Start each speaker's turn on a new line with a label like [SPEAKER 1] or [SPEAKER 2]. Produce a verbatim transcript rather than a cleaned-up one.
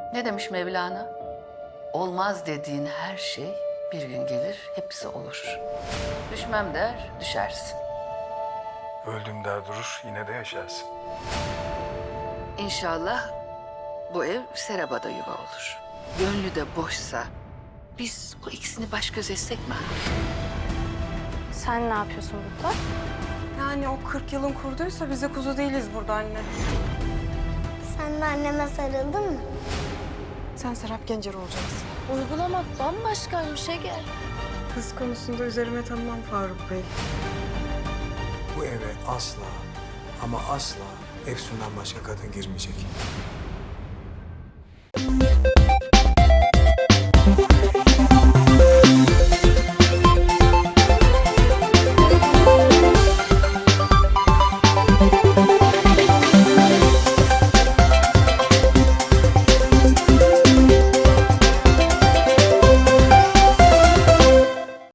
[SPEAKER 1] Ne demiş Mevlana? Olmaz dediğin her şey bir gün gelir, hepsi olur. Düşmem der, düşersin.
[SPEAKER 2] Öldüm der durur, yine de yaşarsın.
[SPEAKER 1] İnşallah bu ev Serap'a yuva olur. Gönlü de boşsa biz bu ikisini baş göz etsek mi?
[SPEAKER 3] Sen ne yapıyorsun burada?
[SPEAKER 4] Yani o kırk yılın kurduysa biz de kuzu değiliz burada anne.
[SPEAKER 5] Sen de anneme sarıldın mı?
[SPEAKER 4] Sen Serap Gencer olacaksın.
[SPEAKER 3] Uygulamak bambaşkaymış Ege.
[SPEAKER 4] Kız konusunda üzerime tanımam Faruk Bey.
[SPEAKER 2] Bu eve asla ama asla Efsun'dan başka kadın girmeyecek.